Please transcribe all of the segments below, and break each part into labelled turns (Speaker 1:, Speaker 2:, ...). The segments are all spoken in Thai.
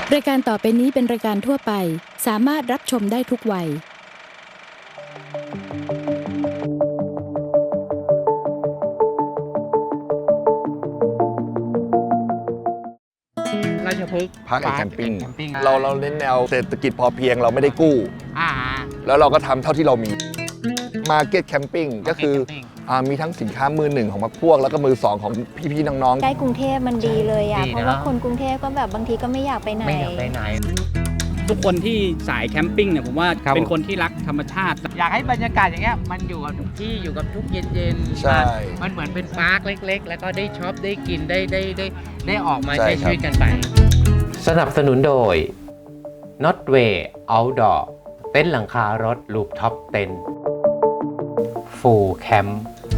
Speaker 1: รายการต่อไปนี้เป็นรายการทั่วไปสามารถรับชมได้ทุกวัย
Speaker 2: ราชพฤกษ์
Speaker 3: พาร์คแอนด์แคมปิ้ง
Speaker 2: ปิ้ง
Speaker 3: เราเน้นแนวเศรษฐกิจพอเพียงเราไม่ได้กู้
Speaker 2: อ่า
Speaker 3: แล้วเราก็ทำเท่าที่เรามีมาร์เก็ตแคมปิ้งก็คือ
Speaker 2: Market Camping
Speaker 3: มีทั้งสินค้ามือหนึ่งของพวกแล้วก็มือสองของพี่ๆน้อง
Speaker 4: ใกล้กรุงเทพมันดีเลยอ่ะ
Speaker 2: ดีนะ
Speaker 4: เพราะว่าคนกรุงเทพก็แบบบางทีก็ไม่อยากไปไหน
Speaker 2: ไม่อยากไปไหน
Speaker 5: ทุกคนที่สายแคมปิ้งเนี่ยผมว่า
Speaker 2: ครับ
Speaker 5: เป็นคนที่รักธรรมชาติ
Speaker 2: อยากให้บรรยากาศอย่างเงี้ยมันอยู่กับทุกที่อยู่กับทุกเย็น
Speaker 3: ๆ ใช่
Speaker 2: มันเหมือนเป็นปาร์คเล็ก ๆ แล้วก็ได้ช็อปได้กินได้ออกมา
Speaker 3: ใช่
Speaker 2: ใช้
Speaker 3: ครับ
Speaker 2: ชีวิตกันไป
Speaker 6: สนับสนุนโดย Notway Outdoor เต็นท์หลังคารถลูปท็อปเต็นท์ฟูลแคมป์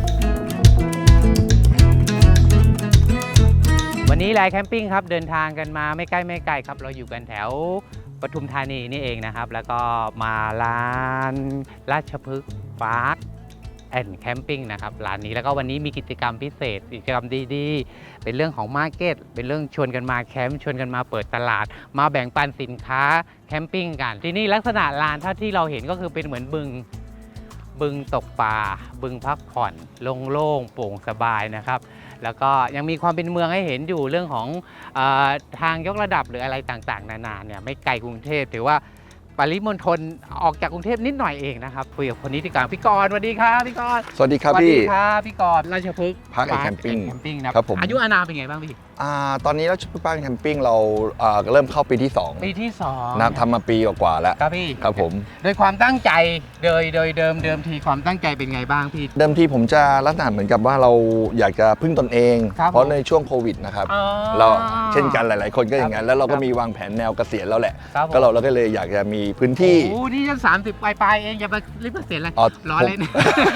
Speaker 2: วันนี้ไลน์แคมปิ้งครับเดินทางกันมาไม่ใกล้ครับเราอยู่กันแถวปทุมธานีนี่เองนะครับแล้วก็มาร้านราชพฤกษ์พาร์คแอนด์แคมปิ้งนะครับร้านนี้แล้วก็วันนี้มีกิจกรรมพิเศษกิจกรรมดีๆเป็นเรื่องของมาร์เก็ตเป็นเรื่องชวนกันมาแคมป์ชวนกันมาเปิดตลาดมาแบ่งปันสินค้าแคมปิ้งกันที่นี่ลักษณะลานเท่าที่เราเห็นก็คือเป็นเหมือนบึงตกปลาบึงพักผ่อนโล่งๆโปร่งสบายนะครับแล้วก็ยังมีความเป็นเมืองให้เห็นอยู่เรื่องของทางยกระดับหรืออะไรต่างๆนานาเนี่ยไม่ไกลกรุงเทพถือว่าปริมณฑลออกจากกรุงเทพนิดหน่อยเองนะครับคุยกับคนนี้ดีกว่าพี่กรณ์สวัสดีครับพี่กรณ์
Speaker 3: สวัสดีครับ
Speaker 2: สวัส
Speaker 3: พี่
Speaker 2: ดีครับพี่กรณ์ราชพฤกษ์
Speaker 3: Park and Camping
Speaker 2: แคมปิ้งนะครับ
Speaker 3: ผม
Speaker 2: อายุอานามเป็นไงบ้างพี่
Speaker 3: ตอนนี้ราชพฤกษ์พาร์คแคมปิ้งเราเริ่มเข้าปีที่2
Speaker 2: ปีที่2
Speaker 3: นะทำมาปีกว่าๆแล้ว
Speaker 2: ครับพี่
Speaker 3: ครับผม
Speaker 2: โดยความตั้งใจโดยเดิมทีความตั้งใจเป็นไงบ้างพี่
Speaker 3: เดิมทีผมจะลักษณะเหมือนกับว่าเราอยากจะพึ่งตนเอง
Speaker 2: ครับ
Speaker 3: เพราะในช่วงโควิดนะครับ
Speaker 2: อ๋อ
Speaker 3: เราเช่นกันหลายๆ คนก็อย่างนั้น
Speaker 2: ครับ
Speaker 3: แล้วเราก็
Speaker 2: ครับ
Speaker 3: มีวางแผนแนวเกษียณแล้วแหละ
Speaker 2: ครับผม
Speaker 3: ก็เราก็เลยอยากจะมีพื้นที่
Speaker 2: โอ้นี่จะ30ปลายๆเองอย่าไปรีบเกษียณเลย
Speaker 3: อ๋อ
Speaker 2: รอเล่น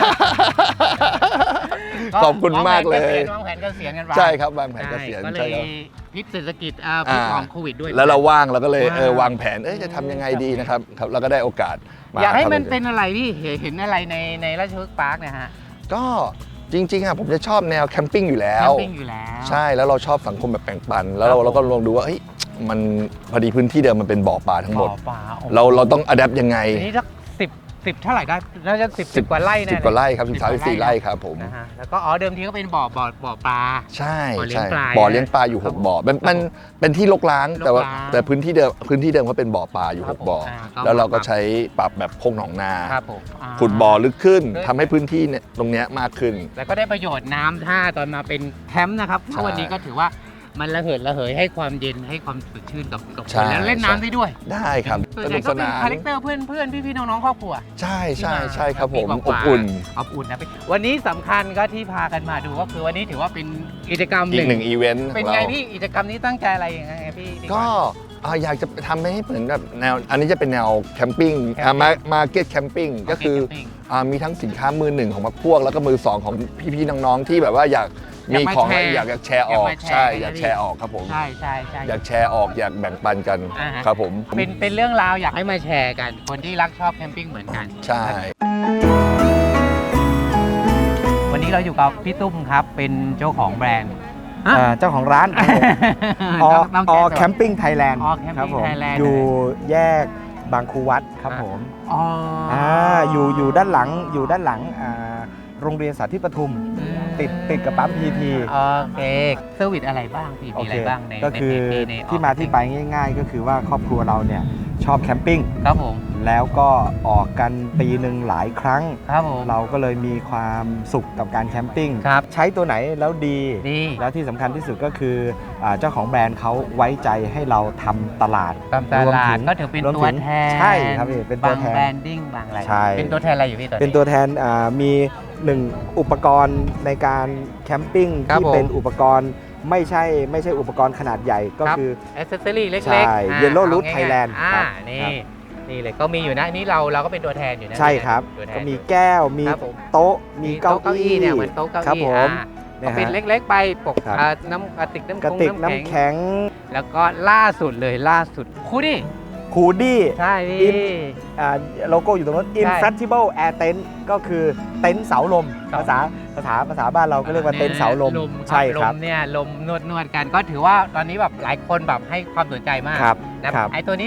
Speaker 3: ขอบคุณมากเลย
Speaker 2: วางแผนเกษียณกันไป
Speaker 3: ใช่ครับวางแผนเกษียณ
Speaker 2: ก็เล
Speaker 3: ใช่
Speaker 2: ย
Speaker 3: ครับ
Speaker 2: พิษเศรษฐกิจพิษของโควิดด้วย
Speaker 3: แล้วเราว่างเราก็เลย
Speaker 2: ว้าว
Speaker 3: วางแผนจะทำยังไงดีนะครับครับเราก็ได้โอกาสมา
Speaker 2: อยากให้มัน
Speaker 3: ทำ
Speaker 2: เป็นอะไรพี่เห็นอะไรในราชพฤกษ์พาร์คเนี่ยฮะ
Speaker 3: ก็จริงๆผมจะชอบแนวแคมปิ้งอยู่แล้
Speaker 2: แคว มปิ้งอยู่แล้ว
Speaker 3: ใช่แล้วเราชอบสังคมแบบแบ่งปัน แล้ว
Speaker 2: ครับผม
Speaker 3: เราก็ลองดูว่ามันพอดีพื้นที่เดิมมันเป็นบ่อปลาทั้งหมด
Speaker 2: บ่อปลาโอ้โห
Speaker 3: เราต้องอัดแอปยังไง
Speaker 2: ทีนี้สักสิบเท่าไหร่ได้น่าจะ10กว่าไร่แน่
Speaker 3: 10 กว่าไร่ครับ
Speaker 2: 10
Speaker 3: 14 ไร่ครับผม
Speaker 2: นะฮะแล้วก็เดิมทีก็เป็นบ่อปลา
Speaker 3: ใช่
Speaker 2: บ่อเลี้ยง
Speaker 3: ใช่
Speaker 2: ปลา
Speaker 3: บ่อเลี้ยงปลาอยู่
Speaker 2: ครับ
Speaker 3: 6 บ่อมันเป็นที่รกร้าง
Speaker 2: รกร้าง
Speaker 3: แต่พื้นที่เดิมเขาเป็นบ่อปลาอยู่
Speaker 2: ครับ
Speaker 3: 6 บ่อ
Speaker 2: ผม
Speaker 3: แล้วเราก็ใช้ปรับแบบโพกหนองนา
Speaker 2: ครับผม
Speaker 3: ขุดบ่อลึกขึ้น
Speaker 2: ลึก
Speaker 3: ทำให้พื้นที่เนี่ยตรงเนี้ยมากขึ้น
Speaker 2: แล้วก็ได้ประโยชน์น้ำท่าตอนมาเป็นแคมป์นะครับเพ
Speaker 3: ใช่
Speaker 2: ราะวันนี้ก็ถือว่ามันระเหยให้ความเย็นให้ความสดชื่นกับค
Speaker 3: ใช่
Speaker 2: นแล้วเล่นน้ำได้ด้วย
Speaker 3: ได้ครับ
Speaker 2: ส่วน
Speaker 3: ส
Speaker 2: ใหญ่
Speaker 3: นุก
Speaker 2: ก็
Speaker 3: ส
Speaker 2: เป็น
Speaker 3: นาน
Speaker 2: คาแรคเตอร์เพื่อนพี่น้องๆครอบครัว
Speaker 3: ใช่ใช่
Speaker 2: ที่า
Speaker 3: ใช่ครับผม
Speaker 2: ปีก
Speaker 3: อ
Speaker 2: ว่า
Speaker 3: บ
Speaker 2: ๆ
Speaker 3: อุ่น
Speaker 2: อบอุ่นนะวันนี้สำคัญก็ที่พากันมาดูก็คือวันนี้ถือว่าเป็นกิจกรรม
Speaker 3: อีกหนึ่งอีเวนต์ข
Speaker 2: เป็น
Speaker 3: อง
Speaker 2: ไง
Speaker 3: เรา
Speaker 2: พี่กิจกรรมนี้ตั้งใจอะไรยังไงพี่
Speaker 3: ก็อยากจะทำให้เหมือนแบบแนวอันนี้จะเป็นแนวแคมปิ้ง
Speaker 2: แคมปิ้ง
Speaker 3: มาร์เก็ตแคมปิ้งก็คือมีทั้งสินค้ามือหนึ่งของพวกแล้วก็มือสองของพี่ๆน้องๆที่แบบว่าอยากมีของแล้วอยากจะแชร์ออกใช่อยากแชร์ออกครับผม
Speaker 2: ใช่
Speaker 3: อยากแชร์ออกอยากแบ่งปันกัน
Speaker 2: อ่าฮะ
Speaker 3: ครับผม
Speaker 2: เป็นเรื่องราวอยากให้มาแชร์กันคนที่รักชอบแคมปิ้งเหมือนกัน
Speaker 3: ใช่
Speaker 2: วันนี้เราอยู่กับพี่ตุ้มครับเป็นเจ้าของแบรนด์
Speaker 7: เจ้าของร้านครับผมอแคมปิ้งไทยแลนด์
Speaker 2: อ Camping
Speaker 7: ครับผม
Speaker 2: Thailand
Speaker 7: อยู่แยกบางครูวัดครับผม
Speaker 2: อ๋อ
Speaker 7: อยู่ด้านหลังโรงเรียนสาธิตปทุมติดกับปั๊มพีที
Speaker 2: โอเคเซอร์วิสอะไรบ้างพี่มีอะไรบ้างใน
Speaker 7: ก็คือ
Speaker 2: ใน
Speaker 7: ที่มาที่ไปง่าย ๆ ก็คือว่าครอบครัวเราเนี่ยชอบแคมปิ้ง
Speaker 2: ครับผม
Speaker 7: แล้วก็ออกกันปีหนึ่งหลายครั้ง
Speaker 2: ครับผม
Speaker 7: เราก็เลยมีความสุขกับการแคมปิ้ง
Speaker 2: ครับ
Speaker 7: ใช้ตัวไหนแล้วดี
Speaker 2: ดี
Speaker 7: แล้วที่สำคัญที่สุดก็คือเจ้าของแบรนด์เขาไว้ใจให้เราทำตลาด
Speaker 2: ตามตลาดก็ถือเป็น
Speaker 7: รวม
Speaker 2: ตัว
Speaker 7: ถึง
Speaker 2: แทน
Speaker 7: ใช่ครับพี่เป็นตัวแทน
Speaker 2: บางแบรนดิ้งบางอะไร
Speaker 7: ใช่
Speaker 2: เป็นตัวแทนอะไรอยู่พี่ตัว
Speaker 7: เป็นตัวแทนมีหนึ่งอุปกรณ์ในการแคมปิ้ง
Speaker 2: ครับ
Speaker 7: ที่
Speaker 2: ผม
Speaker 7: เป็นอุปกรณ์ไม่ใช่อุปกรณ์ขนาดใหญ่ก็คือ
Speaker 2: แอสเซสซอรี่เล็กๆ
Speaker 7: ใช่ Yellow Root
Speaker 2: อาง่ายๆ
Speaker 7: Thailand ครับ
Speaker 2: นี่เลยก็มีอยู่นะนี่เราก็เป็นตัวแทนอยู่นะ
Speaker 7: ใช่ครับ
Speaker 2: ตัวแทน
Speaker 7: ก็มีแก้วมี
Speaker 2: ครับผม
Speaker 7: โต๊ะมีเก้า
Speaker 2: โต๊ะ
Speaker 7: อี้
Speaker 2: เนี่ยเหมือนโต๊ะเก้าอี้
Speaker 7: ครับผม
Speaker 2: ก็เป็นเล็กๆไปปก
Speaker 7: ครับ
Speaker 2: น้ำกระติกน้ำ
Speaker 7: กระติกน้ำแข็ง
Speaker 2: แล้วก็ล่าสุดคูดี้
Speaker 7: คูดี้
Speaker 2: ใช่นี่
Speaker 7: โลโก้อยู่ตรงนั้น
Speaker 2: ใช่
Speaker 7: Inflatable Air Tent ก็คือเต็นท์เสาลม
Speaker 2: ครับ
Speaker 7: ภาษาภาษาบ้านเราก็เรียกว่าเต็นท์เสาลมใช่ครับ
Speaker 2: ลมเนี่ยลมนวดกันก็ถือว่าตอนนี้แบบหลายคนแบบให้ความสนใจมาก
Speaker 7: ครับ
Speaker 2: นะครับ ไอตัวนี้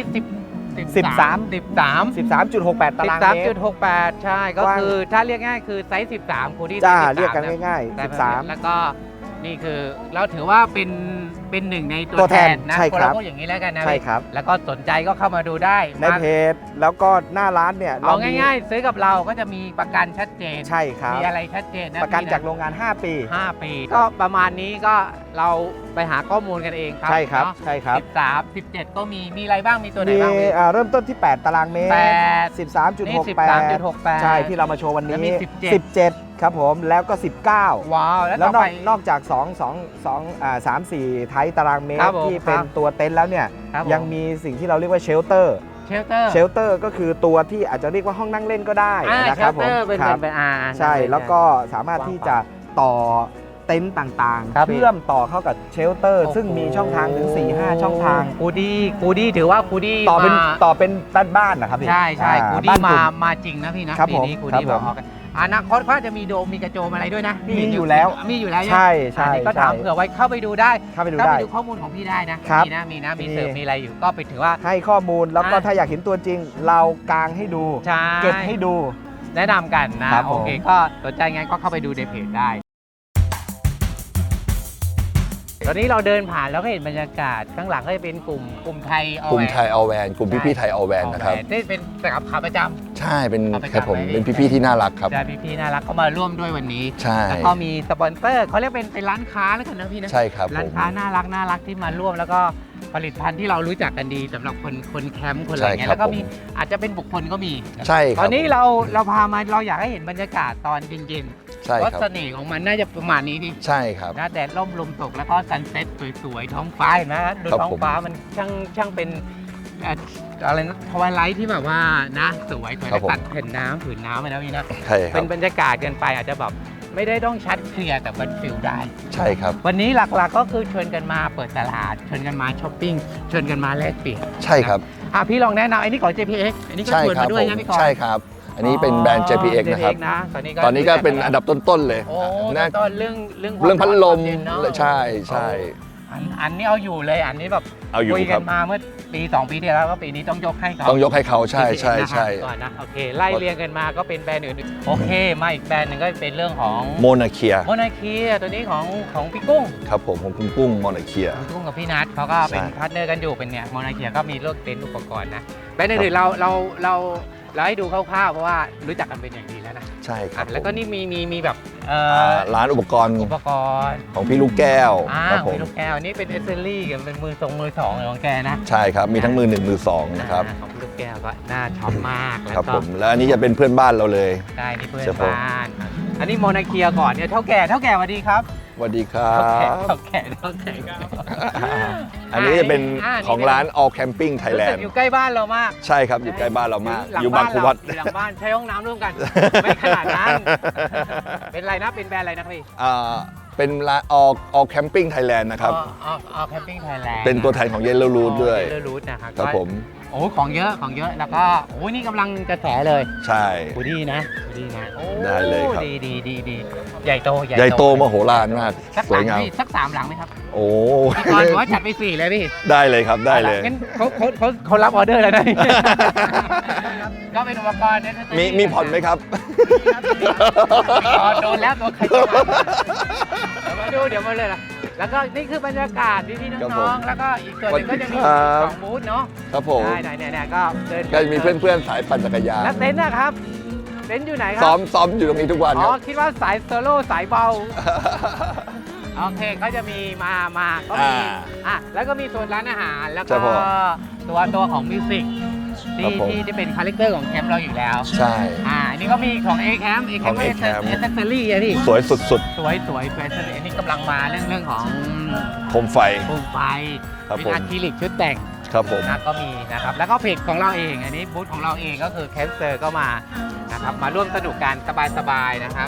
Speaker 7: 13.68 ตารางเมตร
Speaker 2: 13.68 ใช่ก็
Speaker 7: กว้าง
Speaker 2: คือถ้าเรียกง่ายคือไซส์13คูณที่
Speaker 7: จ้า
Speaker 2: 13
Speaker 7: เรียกกันง่าย
Speaker 2: แต่
Speaker 7: ๆ 13
Speaker 2: แล้วก็นี่คือเราถือว่าเป็นหนึ่งในตั
Speaker 7: ตัว ว
Speaker 2: แท
Speaker 7: แท
Speaker 2: น
Speaker 7: น
Speaker 2: นะ
Speaker 7: ใช่ครับ
Speaker 2: เราพูดอย่างนี้แล้วกันนะ
Speaker 7: ใช่ครับ
Speaker 2: แล้วก็สนใจก็เข้ามาดูได้
Speaker 7: ในเพจแล้วก็หน้าร้านเนี่ย
Speaker 2: เอา
Speaker 7: มี
Speaker 2: ง่ายๆ ซื้อกับเราก็จะมีประกันชัดเจน
Speaker 7: ใช่ครับ
Speaker 2: มีอะไรชัดเจนนะ
Speaker 7: ประกัน
Speaker 2: พี่
Speaker 7: จากโรงงาน 5 ปี
Speaker 2: 5 ปี ก็ประมาณนี้ก็เราไปหาข้อมูลกันเองครับ
Speaker 7: ใช่ครับ
Speaker 2: เนาะ
Speaker 7: ใช่ครับ
Speaker 2: 13 17 ก็มีอะไรบ้างมีตัวไหน
Speaker 7: มี
Speaker 2: บ้างพี่
Speaker 7: เริ่มต้นที่ 8 ตารางเมตร
Speaker 2: 8 นี่
Speaker 7: 13.68
Speaker 2: 13.68
Speaker 7: ใช่ที่เรามาโชว์วันนี้
Speaker 2: แล้วมี
Speaker 7: 17 ครับผมแล้วก็ 19
Speaker 2: ว้าว
Speaker 7: แล้ว
Speaker 2: ต่อน ไป
Speaker 7: อกจาก3 4 ไทยตารางเมต
Speaker 2: ครั
Speaker 7: ร
Speaker 2: บผม
Speaker 7: ที่เป็นตัวเต็นท์แล้วเนี่ย
Speaker 2: ครับผ
Speaker 7: ยังมีสิ่งที่เราเรียกว่าเชลเตอร์
Speaker 2: เชลเตอร์
Speaker 7: เชลเตอร์ก็คือตัวที่อาจจะเรียกว่าห้องนั่งเล่นก็ได้
Speaker 2: เช
Speaker 7: นะครับ
Speaker 2: ล
Speaker 7: ผ
Speaker 2: เต
Speaker 7: ม
Speaker 2: อร์เป็น
Speaker 7: ครับ
Speaker 2: เป็น
Speaker 7: ใช่แล้วก็สามารถที่จะต่อเต็นต์ต่าง
Speaker 2: ครับ
Speaker 7: ๆ เชื่อมต่อเข้ากับเชลเตอร์
Speaker 2: โอ้โห
Speaker 7: ซึ่งมีช่องทางถึง 4-5 ช่องทาง
Speaker 2: กูดี้ถือว่ากูดี้
Speaker 7: ต่อเป็น
Speaker 2: มา
Speaker 7: ต่อเป็นบ้านๆนะครับพี่
Speaker 2: ใช่ใช่
Speaker 7: อ่า
Speaker 2: กู
Speaker 7: บ้
Speaker 2: ดี้
Speaker 7: นกลุ่
Speaker 2: มาจริงนะพี่นะครับ ปี
Speaker 7: ผม
Speaker 2: นี้กู
Speaker 7: ครับ
Speaker 2: ดี้
Speaker 7: ผม
Speaker 2: มาออกกันอนาคตเขาจะมีโดมมีกระโจมอะไรด้วยนะพี่
Speaker 7: มีอยู่แล้ว
Speaker 2: มีอยู่แล้ว
Speaker 7: ใช่ใช่
Speaker 2: อันนี้ก็ถาม
Speaker 7: ใช่
Speaker 2: เผื่อไว้เข้าไปดูได้
Speaker 7: เข้าไปดู
Speaker 2: เข้า
Speaker 7: ได้
Speaker 2: ไปดูข้อมูลของพี่ได้นะครับ มีเสิร์ฟมีอะไรอยู่ก็ไปถือว่า
Speaker 7: ให้ข้อมูลแล้วก็
Speaker 2: อ่ะ
Speaker 7: ถ้าอยากเห็นตัวจริง เรากางให้ดู
Speaker 2: ใช่
Speaker 7: เก็บให้ดู
Speaker 2: แนะนำกันนะครับ
Speaker 7: ผม
Speaker 2: โอเคก็สนใจงั้นก็เข้าไปดูในเพจได้ ตอนนี้เราเดินผ่านแล้วก็เห็นบรรยากาศข้างหลังก็จะเป็นกลุ่มไทย
Speaker 3: กลุ่มไทยออแวนกลุ่มพี่ๆไทยออแวนนะครับ
Speaker 2: นี่เป็นขาประจำ
Speaker 3: ใช่เป็น
Speaker 2: เอาไป
Speaker 3: ครับผม
Speaker 2: จำไว้
Speaker 3: เป็นพี่ๆที่น่ารักครับ
Speaker 2: ใช่พี่ๆน่ารักเขามาร่วมด้วยวันนี้
Speaker 3: ใช่
Speaker 2: แล้วก็มีสปอนเซอร์เขาเรียกเป็นร้านค้าแล้วกันนะพี่นะ
Speaker 3: ใช่ครับ
Speaker 2: ร้าน
Speaker 3: ผม
Speaker 2: ค้าน่ารักที่มาร่วมแล้วก็ผลิตภัณฑ์ที่เรารู้จักกันดีสำหรับคนแคมป์คนอะไรเงี้ย
Speaker 3: ใช่ครับ
Speaker 2: แล้วก็มีอาจจะเป็นบุคคลก็มี
Speaker 3: ใช่ค
Speaker 2: ต
Speaker 3: รั
Speaker 2: อบ นนี้เราพามาเราอยากให้เห็นบรรยากาศตอนเย็น
Speaker 3: ใช่
Speaker 2: ๆเพราะ
Speaker 3: ครับ
Speaker 2: เสน่ห์ของมันน่าจะประมาณนี้ดิ
Speaker 3: ใช่ครับ
Speaker 2: นะแดดร่มลมตกแล้วก็ซันเซ็ตสวยๆท้องฟ้าเห็นไหมดู
Speaker 3: ครับ
Speaker 2: ท้องฟ้ามันช่างเป็นอะไรนะทวายไลท์ที่แบบว่านะสวย
Speaker 3: ครับผม
Speaker 2: ตัดผืนน้ำไปนะพี่นะ
Speaker 3: ใช่ค
Speaker 2: เป็
Speaker 3: รับ
Speaker 2: นบรรยากาศเกินไปอาจจะแบบไม่ได้ต้องชัดเคลียร์แต่มันฟิลได้
Speaker 3: ใช่ครับ
Speaker 2: วันนี้หลักๆก็คือชวนกันมาเปิดตลาดชวนกันมาช้อปปิ้งชวนกันมาแลกเปลี่ยน
Speaker 3: ใช่ครับ
Speaker 2: พี่ลองแนะนำไอ้นี่ของ JPX อันนี้ก็
Speaker 3: ใช่
Speaker 2: ชวน
Speaker 3: ครั
Speaker 2: มาด้วย
Speaker 3: ผม
Speaker 2: นะพี่กรณ์
Speaker 3: ใช่ครับ อันนี้เป็นแบรนด์ JPX นะครับ
Speaker 2: JPX นะตอนนี้
Speaker 3: ตอนนี้ก็เป็นอันดับต้นๆเลย
Speaker 2: โอ้
Speaker 3: น่า
Speaker 2: ต้นเรื่อง
Speaker 3: เรื่องพัดลม
Speaker 2: ความเย็นเนอะ
Speaker 3: ใช่ใช่
Speaker 2: อันนี้เอาอยู่เลยอันนี้แบบ
Speaker 3: เอาอยู่
Speaker 2: คุย
Speaker 3: ค
Speaker 2: กั
Speaker 3: รับ
Speaker 2: นมาเมื่อปี 2 ปีที่แล้วก็ปีนี้ต้องยกให้เขา
Speaker 3: ต้องยกให้เขาใช่ใช่
Speaker 2: JPX
Speaker 3: ใช่
Speaker 2: นะครับก่อนนะโอเคไล่เรียงกันมาก็เป็นแบรนด์อื่นๆโอเคมาอีกแบรนด์หนึ่งก็เป็นเรื่องของ
Speaker 3: โมนาเคีย
Speaker 2: โมนาคีตัวนี้ของพี่กุ้ง
Speaker 3: ครับผมของคุณกุ้งโมนาเคีย
Speaker 2: คุณกุ้งกับพี่นัทเขาก็เป็น
Speaker 3: ใช่
Speaker 2: พาร์ทเนอร์กันอยู่เป็นเนี่ยโมนาเคียก็มีเลือกเต็นท์อุปกรณ์นะแบรนด์อื่นๆเราให้ดูคร่าวๆเพราะว่ารู้จักกันเป็นอย่างดีแล้วนะ
Speaker 3: ใช่ครับ
Speaker 2: แล้วก็
Speaker 3: ผม
Speaker 2: นี่มีแบบ
Speaker 3: ร้านอุปกรณ์
Speaker 2: อุปกรณ์
Speaker 3: ของพี่ลูกแก้วครับผม
Speaker 2: พี่ลูกแก้วนี่เป็นเอเซอรี่กับเป็นมือสองของแกนะ
Speaker 3: ใช่ครับมีทั้งมือหนึ่งมือสองนะครับ
Speaker 2: ของพี่ลูกแก้วก็น่าช็อปมากแล้ว
Speaker 3: ครับ
Speaker 2: ก็
Speaker 3: ผมแล้วอันนี้จะเป็นเพื่อนบ้านเราเลย
Speaker 2: ได้นี่เพื่อน
Speaker 3: เฉพาะ
Speaker 2: บ้านอันนี้โมนาเคียก่อนเนี่ยเท่าแก่สวัสดีครับ
Speaker 3: สวัสดีครั
Speaker 2: เท่า
Speaker 3: บ
Speaker 2: แก่
Speaker 3: อันนี้จะเป็น
Speaker 2: อ่า
Speaker 3: ของร้าน All Camping
Speaker 2: รู้สึ
Speaker 3: Thailand
Speaker 2: กอยู่ใกล้บ้านเรามาก
Speaker 3: ใช่ครับอยู่ใกล้บ้านเรามาก
Speaker 2: หลั
Speaker 3: อยู่บางขวัด
Speaker 2: อยู่หลังบ้านใช้ห้องน้ำร่วมกัน ไม่ขนาดนั้น เป็นอะไรนะ เป็นแบรนด์อะไรนะพี่
Speaker 3: เป็นร้าน All Camping Thailand นะครับ
Speaker 2: อ๋อแคมปิ้งไทยแลนด์
Speaker 3: เป็นตัวแทนของ Yellow Root ด้วย
Speaker 2: เยลรูทนะครับ
Speaker 3: ครับผม
Speaker 2: โอ้ของเยอะแล้วก็โอ้นี่กำลังกระแสเลย
Speaker 3: ใช่
Speaker 2: กูดีนะโอ้
Speaker 3: ได้เลยครับ
Speaker 2: ดีใหญ่โต
Speaker 3: ใหญ่โตมโหฬารมาก
Speaker 2: สัก
Speaker 3: สวยงาม
Speaker 2: สัก3หลังไหมครับ
Speaker 3: โอ้
Speaker 2: พี่กรณ์บอกว่าจัดไป4เลยพี่
Speaker 3: ได้เลยครับได้เลย
Speaker 2: งั้นเขารับออเดอร์แล้วนะ ก็เป็นอุปกรณ์เนี่ย
Speaker 3: มีผ่อนไหมครับ
Speaker 2: โดนแล้วตัวใครจะมาเดี๋ยวมาเลยล่ะแล้วก็นี่คือบรรยากาศพี่ๆ
Speaker 3: ครับ
Speaker 2: น้
Speaker 3: ผ
Speaker 2: อ
Speaker 3: ม
Speaker 2: งๆแล้วก็อีกส่วนหนึงก็จะมี
Speaker 3: ครับ
Speaker 2: 2บูธเนาะ
Speaker 3: ครับผม
Speaker 2: ได้เนี่ยก็เดิน
Speaker 3: ก็มีเพื่อนๆสายปั่นจักรยาน
Speaker 2: แล้วเต็นท์นะครับเต็นท์อยู่ไหนครั
Speaker 3: ซ้อมอยู่ตรงนี้ทุกวัน
Speaker 2: อ๋
Speaker 3: ค
Speaker 2: อ
Speaker 3: รับ
Speaker 2: คิดว่าสายโซโล่สายเบาโอเคก็จะมีมาก็มีแล้วก็มีโซนร้านอาหารแล้ว
Speaker 3: ใช่
Speaker 2: ก็
Speaker 3: ผม
Speaker 2: ตัวของมิวสิก
Speaker 3: ครับผม
Speaker 2: ที่เป็นคาแรคเตอร์ของแคมป์เราอยู่แล้ว
Speaker 3: ใช่
Speaker 2: อันนี้ก็มีของ A Camp
Speaker 3: ของ
Speaker 2: เอ
Speaker 3: A
Speaker 2: เซ
Speaker 3: Camp
Speaker 2: อรี่อะพี่
Speaker 3: สวยสุด
Speaker 2: สวยอันนี้กำลังมาเรื่องของ
Speaker 3: ๆโคมไฟ
Speaker 2: โคมไฟ
Speaker 3: ครับ
Speaker 2: เป็น
Speaker 3: ผม
Speaker 2: อะคริลิกชุดแต่ง
Speaker 3: ครับผม
Speaker 2: นะก็มีนะครับแล้วก็เพจของเราเองอันนี้บูธของเราเองก็คือแคมเซอร์ก็มานะครับมาร่วมสนุกกันสบายๆนะครับ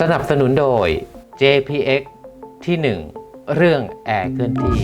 Speaker 6: สนับสนุนโดย JPX ที่ 1 เรื่องแอร์เคลื่อนที่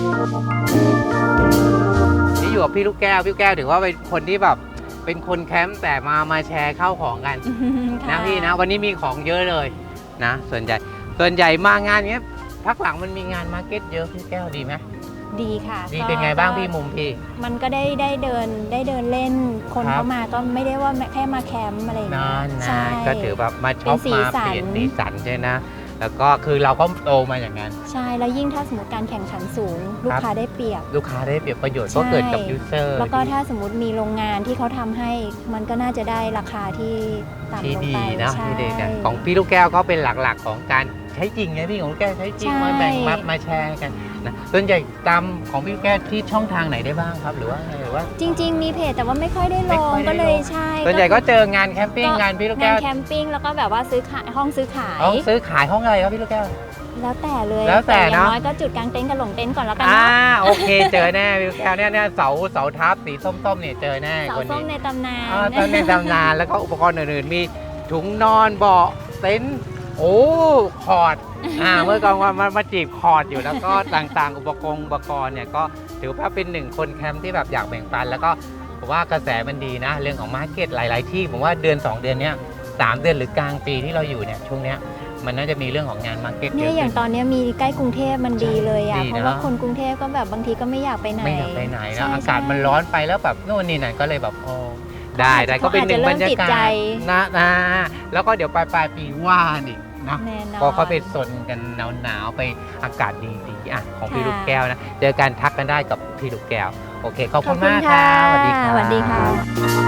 Speaker 2: นี่อยู่กับพี่ลูกแก้วถือว่าเป็นคนที่แบบเป็นคนแคมป์แต่มาแชร์ข้าวของกัน นะพี่นะวันนี้มีของเยอะเลยนะส่วนใหญ่มางานเนี้ยพักหลังมันมีงานมาร์เก็ตเยอะพี่แก้วดีไหม
Speaker 4: ดีค่ะ
Speaker 2: ดีเป็นไงบ้างพี่มุมพี่
Speaker 4: มันก็ได้เดินเล่นคน
Speaker 2: ครับ
Speaker 4: เข้ามาก็ไม่ได้ว่าแค่มาแคมป์อะไรอย่างเงี้
Speaker 2: นั่
Speaker 4: ย
Speaker 2: น
Speaker 4: ใช่
Speaker 2: นะก็ถือแบบมาช็อป
Speaker 4: เป็นสี
Speaker 2: มา
Speaker 4: สัน
Speaker 2: เปลี่ยนสีสันใช่นะแล้วก็คือเราก็โตมาอย่างนั้น
Speaker 4: ใช่แล้วยิ่งถ้าสมมติการแข่งขันสูง ลูกค้าได้เปรียบ
Speaker 2: ลูกค้าได้เปรียบประโยชน์
Speaker 4: ใช่
Speaker 2: ก็เกิดกับยูเซอร์
Speaker 4: แล้วก็ถ้าสมมติมีโรงงานที่เขาทำให้ มันก็น่าจะได้ราคาที่ต่ำ
Speaker 2: ที่
Speaker 4: ลง
Speaker 2: ดี
Speaker 4: ไป
Speaker 2: นะ
Speaker 4: ใช่
Speaker 2: ที่ดีนะของพี่ลูกแก้วก็เป็นหลักๆของการใช้จริงไงพี่ของลูกแก้วใช้จริง
Speaker 4: ใช่
Speaker 2: มาแบ่งมาแชร์กันนะส่วนใหญ่ตามของพี่ลูกแก้วที่ช่องทางไหนได้บ้างครับหรือว่าไงหรือว่า
Speaker 4: จริง ๆ มีเพจแต่ว่าไม่ค่อยได้ล
Speaker 2: ไม่
Speaker 4: ง
Speaker 2: ค่อยได้
Speaker 4: ก็เลย
Speaker 2: ลง
Speaker 4: ใช่
Speaker 2: ส่วนใหญ่ก็เจองานแคมปิ้งงานพี่ลูกแก้ว
Speaker 4: งานแคมปิ้งแล้วก็แบบว่าซื้อขายห้องซื้อขาย
Speaker 2: ห้องซื้อขายห้องอะไรครับพี่ลูกแก้ว
Speaker 4: แล้วแต่เลย
Speaker 2: แล้วแต่
Speaker 4: อย่า
Speaker 2: เนอะ
Speaker 4: งน้อยก็จุดกางเต็นท์กับหลงเต็นท์ก่อนแล้วกัน
Speaker 2: อ่า
Speaker 4: เนาะ
Speaker 2: โอเคเจอแน่พี่ลูกแก้วเนี่ยเสาทับสีส้มๆเนี่ยเจอแน่
Speaker 4: เสา
Speaker 2: คน
Speaker 4: ส้ม
Speaker 2: นี้
Speaker 4: ในตำนาน
Speaker 2: ตอนในตำนานแล้วก็อุปกรณ์อื่นๆมีถุงนอนเบาะเต็นท์โอ้คอร์ดเมื่อก่อนมาจีบคอร์ดอยู่แล้วก็ต่างๆอุปกรณ์เนี่ยก็ถือว่าเป็นหนึ่งคนแคมป์ที่แบบอยากแบ่งปันแล้วก็ผมว่ากระแสมันดีนะเรื่องของมาร์เก็ตหลายๆที่ผมว่าเดือน2 เดือนเนี้ย3 เดือนหรือกลางปีที่เราอยู่เนี่ยช่วงเนี้ยมันน่าจะมีเรื่องของงานมาร์เก็ตเย
Speaker 4: เนี่ย
Speaker 2: อะ
Speaker 4: อย่าง
Speaker 2: ขึ้น
Speaker 4: ตอนเนี้ยมีใกล้กรุงเทพมันดีเลยอ่ะ
Speaker 2: ดีนะ
Speaker 4: เพราะว่าคนกรุงเทพก็แบบบางทีก็ไม่อยากไปไหน
Speaker 2: ไม่อยากไปไหน
Speaker 4: ใช่
Speaker 2: นะอากาศ
Speaker 4: ใช่
Speaker 2: มันร้อนไปแล้วแบบโน่นนี่นั่นก็เลยแบบโอ้ได้ก็เป็นหนึ่งบรรยากาศนะแล้วก็เดี๋ยวปลายปีว่านี่นะ
Speaker 4: แน่นอน
Speaker 2: ก็เขาไปสนกันหนาวๆไปอากาศดีๆอ่ะของพี่
Speaker 4: ค่ะ
Speaker 2: ลูกแก้วนะเจอกันทักกันได้กับพี่ลูกแก้วโอเคขอบ
Speaker 4: ข
Speaker 2: คุ
Speaker 4: อบ
Speaker 2: ณ
Speaker 4: คุณ
Speaker 2: มากค
Speaker 4: ค่ะ
Speaker 2: รับสวัสดีครับ
Speaker 4: สวัส